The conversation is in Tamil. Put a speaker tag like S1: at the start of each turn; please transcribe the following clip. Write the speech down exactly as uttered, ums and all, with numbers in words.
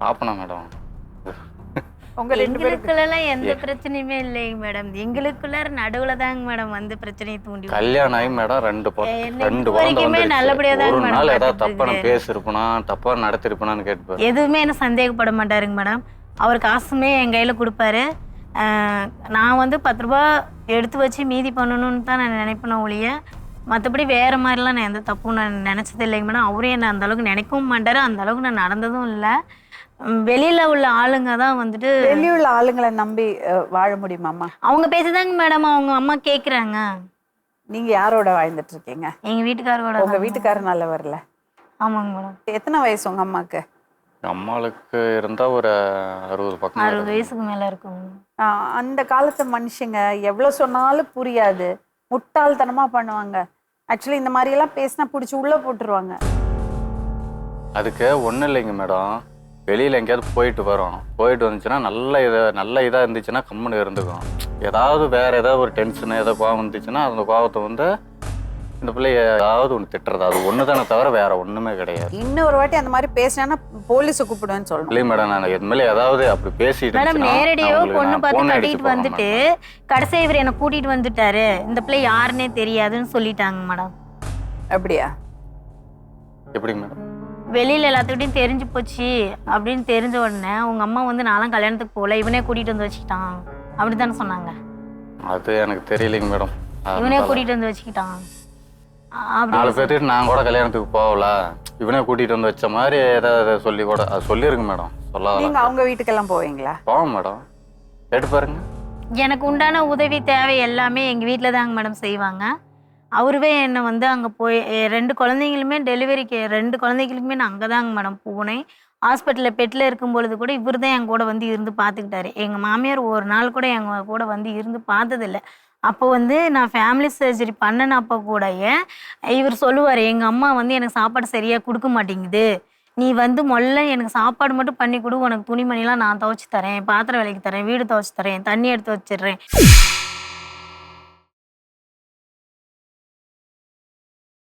S1: பாப்பனா மேடம்?
S2: உங்க ரெண்டு
S3: எங்களுக்குள்ள எந்த பிரச்சனையுமே இல்லைங்க மேடம். எங்களுக்குள்ள நடுவுல தாங்க மேடம் வந்து பிரச்சனையை தூண்டி
S1: கல்யாணம் ஆகி மேடம் ரெண்டு ரெண்டு
S3: வரைக்குமே நல்லபடியா
S1: ஒரு
S3: தாங்க
S1: நாள் ஏதாவது
S3: மேடம்
S1: தப்பா பேசிருப்பனா தப்பா நடத்திருப்பனான்னு கேட்பாரு.
S3: எதுவுமே என்ன சந்தேகப்பட மாட்டாருங்க மேடம். அவர் காசுமே என் கையில கொடுப்பாரு. நான் வந்து பத்து ரூபா எடுத்து வச்சு மீதி பண்ணணும்னு தான் நான் நினைப்பேன் ஒழிய மற்றபடி வேற மாதிரிலாம் நான் எந்த தப்பும் நான் நினைச்சது இல்லைங்க மேடம். அவரே என்ன அந்த அளவுக்கு நினைக்கவும் மாட்டாரு, அந்த அளவுக்கு நான் நடந்ததும் இல்லை. வெளியில உள்ள ஆளுங்க தான் வந்துட்டு
S2: வெளியுள்ள ஆளுங்களை நம்பி வாழ முடியுமாம்மா?
S3: அவங்க பேசுதாங்க மேடம் அவங்க அம்மா கேக்குறாங்க.
S2: நீங்க யாரோட வாழ்ந்துட்டு இருக்கீங்க?
S3: எங்க வீட்டுக்காரோட.
S2: உங்க வீட்டுக்காரர் நல்லவர்ல?
S3: ஆமாங்க மேடம்.
S2: எத்தனை வயசு உங்க அம்மாக்கு?
S1: அம்மாளுக்கு இருந்தா ஒரு அறுபது பக்கம்
S3: அறுபது வயசுக்கு மேல இருக்கும்.
S2: அந்த காலத்து மனுஷங்க எவ்வளவு சொன்னாலும் புரியாது, முட்டாள்தனமா பண்ணுவாங்க. ஆக்சுவலி இந்த மாதிரி எல்லாம் பேசினா பிடிச்சி உள்ள போட்டுருவாங்க.
S1: அதுக்கு ஒன்றும் இல்லைங்க மேடம். வெளியில் எங்கேயாவது போயிட்டு வரோம், போயிட்டு வந்துச்சுன்னா நல்ல இதை நல்ல இதாக இருந்துச்சுன்னா கம்முன்னு இருந்துக்கும். ஏதாவது வேறு ஏதாவது ஒரு டென்ஷனு ஏதாவது கோவம் இருந்துச்சுன்னா அந்த கோவத்தை வந்து இந்த பிள்ளைய ஏதாவது ஒன்று திட்டுறது, அது ஒன்று தானே தவிர வேற ஒன்றுமே கிடையாது.
S2: இன்னொரு வாட்டி அந்த மாதிரி பேசினா போலீஸை கூப்பிடுவேன்னு சொல்லணும்.
S1: இல்லை மேடம், நான் இது மேலே ஏதாவது அப்படி பேசிட்டு
S3: மேடம் நேரடியோ பொண்ணு பார்த்து கட்டிட்டு வந்துட்டு கடைசி இவர் என்னை கூட்டிட்டு வந்துட்டாரு, இந்த பிள்ளை யாருன்னே தெரியாதுன்னு சொல்லிட்டாங்க மேடம்.
S2: அப்படியா?
S1: எப்படிங்க மேடம்?
S3: வெளியில எல்லாத்துக்கிட்டையும் தெரிஞ்சு போச்சு அப்படின்னு தெரிஞ்ச உடனே உங்க அம்மா வந்து நான்லாம் கல்யாணத்துக்கு போகல, இவனே கூட்டிட்டு வந்து வச்சுக்கிட்டான் அப்படித்தானே சொன்னாங்க.
S1: அது எனக்கு தெரியலைங்க மேடம்.
S3: இவனே கூட்டிட்டு வந்து வச்சுக்கிட்டான்.
S1: நாலு பேர்த்துட்டு நான் கூட கல்யாணத்துக்கு போகல, இவனே கூட்டிட்டு வந்து வச்ச மாதிரி ஏதாவது சொல்லி கூட அது சொல்லிருங்க மேடம். சொல்லாத.
S2: நீங்க அவங்க வீட்டுக்கெல்லாம் போவீங்களா?
S1: போவோம் மேடம், கேட்டு பாருங்க.
S3: எனக்கு உண்டான உதவி தேவை எல்லாமே எங்க வீட்டுல தாங்க மேடம் செய்வாங்க. அவருவே என்னை வந்து அங்கே போய் ரெண்டு குழந்தைங்களுமே டெலிவரிக்கு ரெண்டு குழந்தைங்களுக்குமே நான் அங்கே தாங்க மேடம் போனேன். ஹாஸ்பிட்டலில் பெட்டில் இருக்கும் பொழுது கூட இவர் தான் என் கூட வந்து இருந்து பார்த்துக்கிட்டாரு. எங்கள் மாமியார் ஒரு நாள் கூட எங்கள் கூட வந்து இருந்து பார்த்ததில்லை. அப்போ வந்து நான் ஃபேமிலி சர்ஜரி பண்ணினப்போ கூட இவர் சொல்லுவார், எங்கள் அம்மா வந்து எனக்கு சாப்பாடு சரியாக கொடுக்க மாட்டேங்குது, நீ வந்து முதல்ல எனக்கு சாப்பாடு மட்டும் பண்ணி கொடு, உனக்கு துணிமணிலாம் நான் துவைச்சி தரேன், பாத்திரம் விலைக்கு தரேன், வீடு துவைச்சி தரேன், தண்ணி எடுத்து வச்சிடுறேன்.